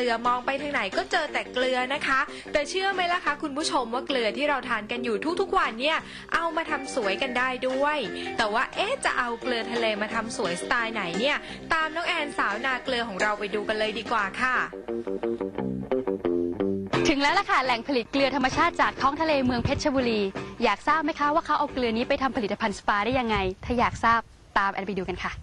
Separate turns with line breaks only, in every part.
ลือมองไปทางไหนก็เจอแต่เกลือนะคะแต่เชื่อไหมล่ะคะคุณผู้ชมว่าเกลือที่เราทานกันอยู่ทุกๆวันเนี่ยเอามาทำสวยกันได้ด้วยแต่ว่าจะเอาเกลือทะเลมาทำสวยสไตล์ไหนเนี่ยตามน้องแอนสาวนาเกลือของเราไปดูกันเลยดีกว่าค่ะ
ถึงแล้วล่ะค่ะแหล่งผลิตเกลือธรรมชาติจากท้องทะเลเมืองเพชรบุรีอยากทราบไหมคะว่าเขาเอาเกลือนี้ไปทำผลิตภัณฑ์สปาได้ยังไงถ้าอยากทราบตามแอนไปดูกันค่ะ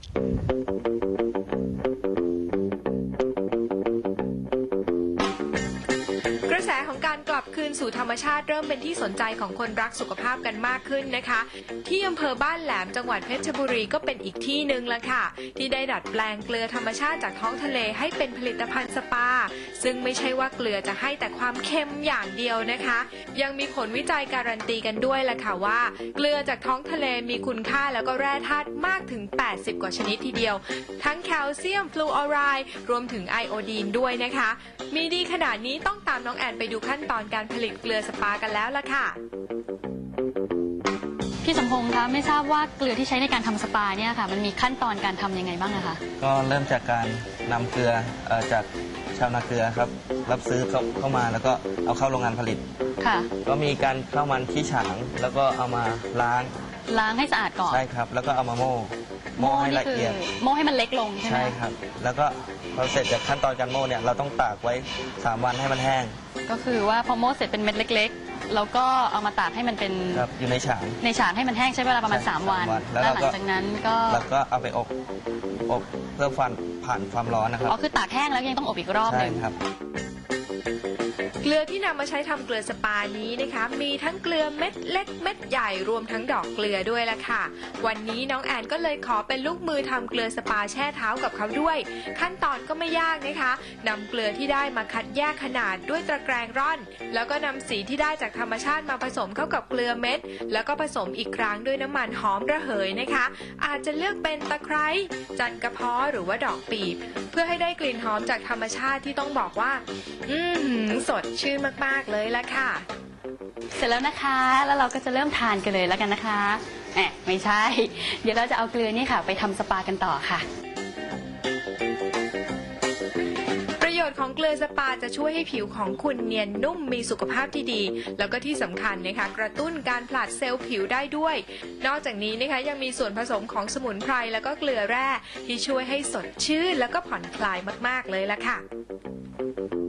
กระแสของการกลับคืนสู่ธรรมชาติเริ่มเป็นที่สนใจของคนรักสุขภาพกันมากขึ้นนะคะที่อำเภอบ้านแหลมจังหวัดเพชรบุรีก็เป็นอีกที่หนึ่งละค่ะที่ได้ดัดแปลงเกลือธรรมชาติจากท้องทะเลให้เป็นผลิตภัณฑ์สปาซึ่งไม่ใช่ว่าเกลือจะให้แต่ความเค็มอย่างเดียวนะคะยังมีผลวิจัยการันตีกันด้วยละค่ะว่าเกลือจากท้องทะเลมีคุณค่าแล้วก็แร่ธาตุมากถึง80กว่าชนิดทีเดียวทั้งแคลเซียมฟลูออไรด์รวมถึงไอโอดีนด้วยนะคะมีดีขนาดนี้ต้องตามน้องแอนไปดูขั้นตอนการผลิตเกลือสปากันแล้วล่ะค่ะ
พี่สมพงษ์คะไม่ทราบว่าเกลือที่ใช้ในการทำสปาเนี่ยค่ะมันมีขั้นตอนการทำยังไงบ้างนะคะ
ก็เริ่มจากการนำเกลือจากชาวนาเกลือครับรับซื้อเข้ามาแล้วก็เอาเข้าโรงงานผลิต
ค่ะ
ก็มีการเข้ามันที่ฉางแล้วก็เอามาล้าง
ให้สะอาดก่อน
ใช่ครับแล้วก็เอามาโม่ให้ละเอียด
โม่ให้มันเล็กลงใช่ไหม
ใช่ครับแล้วก็พอเสร็จจากขั้นตอนการโม่เนี่ยเราต้องตากไว้3 วันให้มันแห้ง
ก็คือว่าพอโม่เสร็จเป็นเม็ดเล็กๆแล้วก็เอามาตากให้มันเป็น
อยู่ในฉาง
ให้มันแห้งใช้เวลาประมาณ3 วันแล้วหลังจากนั้น
ก็เอาไปอบเพื่อผ่านความร้อนนะครับ
อ๋อคือตากแห้งแล้วยังต้องอบอีกรอบหนึ่ง
ใช่ครับ
เกลือที่นำมาใช้ทำเกลือสปานี้นะคะมีทั้งเกลือเม็ดเล็กเม็ดใหญ่รวมทั้งดอกเกลือด้วยล่ะค่ะวันนี้น้องแอนก็เลยขอเป็นลูกมือทำเกลือสปาแช่เท้ากับเขาด้วยขั้นตอนก็ไม่ยากนะคะนำเกลือที่ได้มาคัดแยกขนาดด้วยตะแกรงร่อนแล้วก็นำสีที่ได้จากธรรมชาติมาผสมเข้ากับเกลือเม็ดแล้วก็ผสมอีกครั้งด้วยน้ำมันหอมระเหยนะคะอาจจะเลือกเป็นตะไคร้จันกระเพาะหรือว่าดอกปีบเพื่อให้ได้กลิ่นหอมจากธรรมชาติที่ต้องบอกว่าสดชื่นมากๆเลยละค่ะ
เสร็จแล้วนะคะแล้วเราก็จะเริ่มทานกันเลยแล้วกันนะคะไม่ใช่เดี๋ยวเราจะเอาเกลือนี่ค่ะไปทำสปากันต่อค่ะ
ประโยชน์ของเกลือสปาจะช่วยให้ผิวของคุณเนียนนุ่มมีสุขภาพที่ดีแล้วก็ที่สำคัญนะคะกระตุ้นการผลัดเซลล์ผิวได้ด้วยนอกจากนี้นะคะยังมีส่วนผสมของสมุนไพรแล้วก็เกลือแร่ที่ช่วยให้สดชื่นแล้วก็ผ่อนคลายมากๆเลยละค่ะ